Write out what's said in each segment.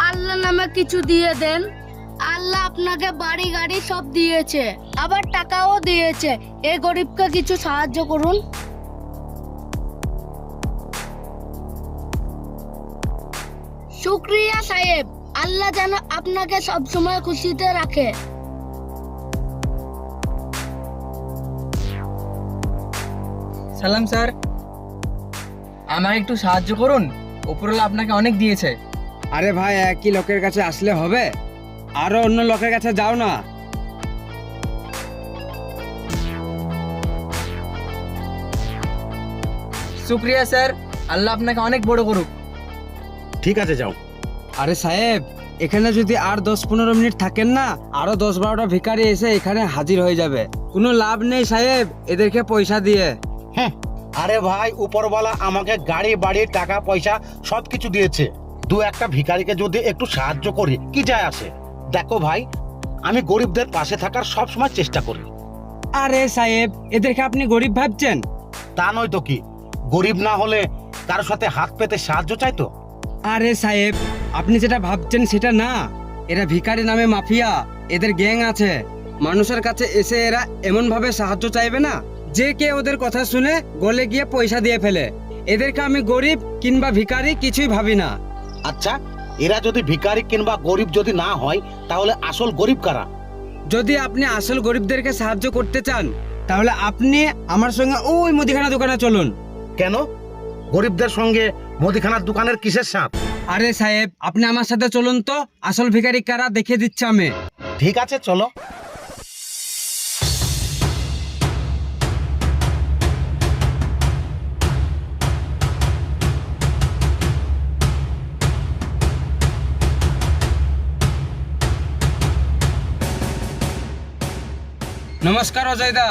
আল্লাহ নামে কিছু দিয়ে দেন। আল্লাহ আপনাকে বাড়ি গাড়ি সব দিয়েছে, আবার টাকাও দিয়েছে। এই গরিবকে কিছু সাহায্য করুন। শুক্রিয়া সাহেব, আল্লাহ যেন আপনাকে সব সময় খুশিতে রাখে। সালাম স্যার, আমাকে একটু সাহায্য করুন, উপরওয়ালা আপনাকে অনেক দিয়েছে। আরে ভাই, একই লোকের কাছে আসলে হবে? আরো অন্য লোকের কাছে যাও না। শুক্রিয়া স্যার, আল্লাহ আপনাকে অনেক বড় করুক। ঠিক আছে, যাও। আরে সাহেব, এখানে যদি আর 10-15 মিনিট থাকেন না, আরো 10-12টা ভিখারি এসে এখানে হাজির হয়ে যাবে। কোনো লাভ নেই সাহেব এদেরকে পয়সা দিয়ে। হ্যাঁ, আরে ভাই, উপরওয়ালা আমাকে গাড়ি বাড়ি টাকা পয়সা সবকিছু দিয়েছে। দু একটা ভিখারিকে যদি একটু সাহায্য করি কি যায় আসে? দেখো ভাই, আমি গরিবদের পাশে থাকার সব সময় চেষ্টা করি। আরে সাহেব, এদেরকে আপনি গরিব ভাবছেন? তা নয় তো কি, গরিব না হলে কারোর সাথে হাত পেতে সাহায্য চাইতো? আরে সাহেব, আপনি যেটা ভাবছেন সেটা না। এরা ভিখারি নামে মাফিয়া, এদের গ্যাং আছে। মানুষের কাছে এসে এরা এমন ভাবে সাহায্য চাইবে না যে কে ওদের কথা শুনে গলে গিয়ে পয়সা দিয়ে ফেলে। এদেরকে আমি গরিব কিংবা ভিখারি কিছুই ভাবি না। আচ্ছা, এরা যদি ভিখারি কিংবা গরিব যদি না হয়, তাহলে আসল গরিব কারা? যদি আপনি আসল গরিবদেরকে সাহায্য করতে চান, তাহলে আপনি আমার সঙ্গে ওই মুদিখানা দোকানে চলুন। কেন? গরিবদের সঙ্গে মুদিখানার দোকানের কিসের সাথ? আরে সাহেব, আপনি আমার সাথে চলুন তো, আসল ভিখারি কারা দেখিয়ে দিচ্ছে আমি। ঠিক আছে, চলো। নমস্কার অজয়দা।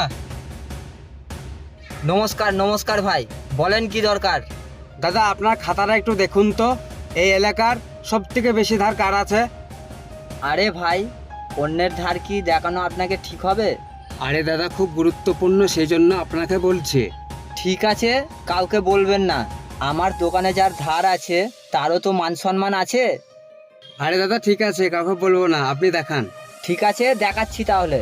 নমস্কার নমস্কার ভাই, বলেন কি দরকার? দাদা, আপনার খাতাটা একটু দেখুন তো, এই এলাকার সব থেকে বেশি ধার কার আছে? আরে ভাই, অন্যের ধার কি দেখানো আপনাকে ঠিক হবে? আরে দাদা, খুব গুরুত্বপূর্ণ, সেই জন্য আপনাকে বলছি। ঠিক আছে, কাউকে বলবেন না। আমার দোকানে যার ধার আছে তারও তো মান সম্মান আছে। আরে দাদা, ঠিক আছে, কাউকে বলবো না, আপনি দেখান। ঠিক আছে, দেখাচ্ছি তাহলে।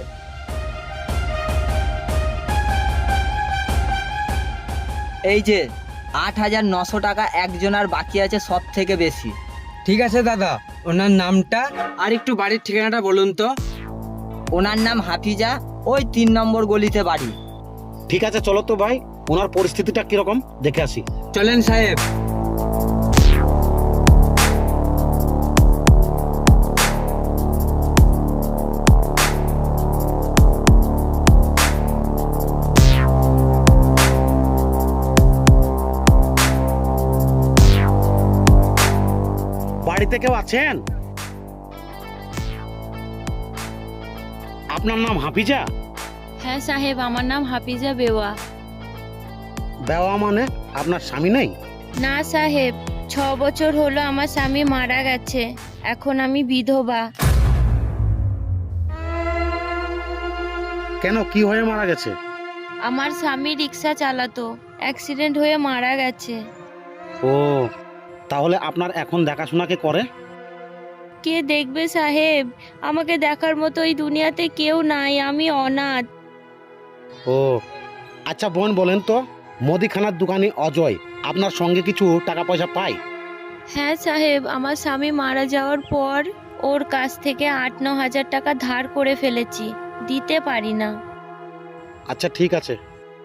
এই যে 8,900 টাকা একজনের বাকি আছে, সব থেকে বেশি। ঠিক আছে দাদা, ওনার নামটা আর একটু বাড়ির ঠিকানাটা বলুন তো। ওনার নাম হাফিজা, ওই 3 নম্বর গলিতে বাড়ি। ঠিক আছে, চলো তো ভাই, ওনার পরিস্থিতিটা কিরকম দেখে আসি। চলেন সাহেব। বাড়িতে কেউ আছেন? আপনার নাম হাফিজা? হ্যাঁ সাহেব, আমার নাম হাফিজা বেওয়া। দেওয়া মানে আপনার স্বামী নেই? না সাহেব, 6 বছর হলো আমার স্বামী মারা গেছে, এখন আমি বিধবা। কেন, কি হয়ে মারা গেছে? আমার স্বামী রিক্সা চালাতো, অ্যাক্সিডেন্ট হয়ে মারা গেছে। ও, তাহলে আপনার এখন দেখাশোনা কে করে? কে দেখবে সাহেব? আমাকে দেখার মতো এই দুনিয়াতে কেউ নাই, আমি অনাথ। ও আচ্ছা বোন, বলেন তো, মুদিখানার দোকানি অজয় আপনার সঙ্গে কিছু টাকা পয়সা পায়? হ্যাঁ সাহেব, আমার স্বামী মারা যাওয়ার পর ওর কাছ থেকে 8-9 হাজার টাকা ধার করে ফেলেছি, দিতে পারি না। আচ্ছা ঠিক আছে,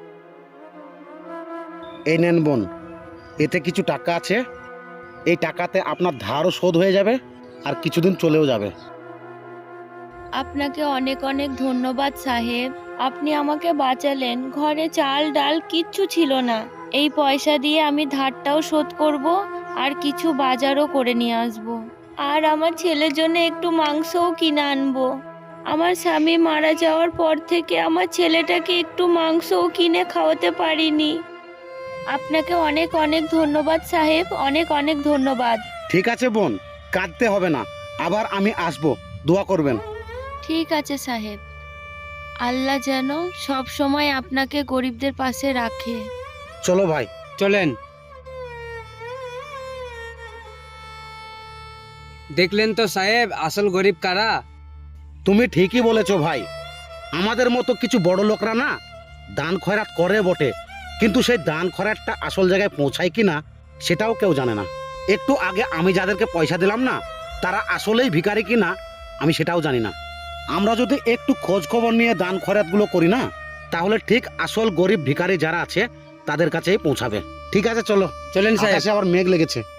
এই নেন বোন, এতে কিছু টাকা আছে। এই টাকাতে আপনার ধারও শোধ হয়ে যাবে আর কিছুদিন চলেও যাবে। আপনাকে অনেক অনেক ধন্যবাদ সাহেব, আপনি আমাকে বাঁচালেন। ঘরে চাল ডাল কিচ্ছু ছিল না, এই পয়সা দিয়ে আমি ধারটাও শোধ করব আর কিছু বাজারও করে নিয়ে আসব, আর আমার ছেলের জন্য একটু মাংসও কিনে আনবো। আমার স্বামী মারা যাওয়ার পর থেকে আমার ছেলেটাকে একটু মাংসও কিনে খাওয়াতে পারিনি। আপনাকে অনেক অনেক ধন্যবাদ সাহেব, অনেক অনেক ধন্যবাদ। ঠিক আছে বোন, কাঁদতে হবে না, আবার আমি আসবো, দোয়া করবেন। ঠিক আছে সাহেব, আল্লাহ যেন সব সময় আপনাকে গরিবদের পাশে রাখে। চলো ভাই। চলেন। দেখলেন তো সাহেব আসল গরিব কারা। তুমি ঠিকই বলেছো ভাই, আমাদের মতো কিছু বড় লোকরা না দান খয়রাত করে বটে, কিন্তু সেই দান খয়রাতটা আসল জায়গায় পৌঁছায় কি না সেটাও কেউ জানে না। একটু আগে আমি যাদেরকে পয়সা দিলাম না, তারা আসলেই ভিখারি কি না আমি সেটাও জানি না। আমরা যদি একটু খোঁজ খবর নিয়ে দান খয়রাতগুলো করি না, তাহলে ঠিক আসল গরিব ভিখারি যারা আছে তাদের কাছেই পৌঁছাবে। ঠিক আছে, চলো, চলেন সাহেব। আকাশে আবার মেঘ লেগেছে।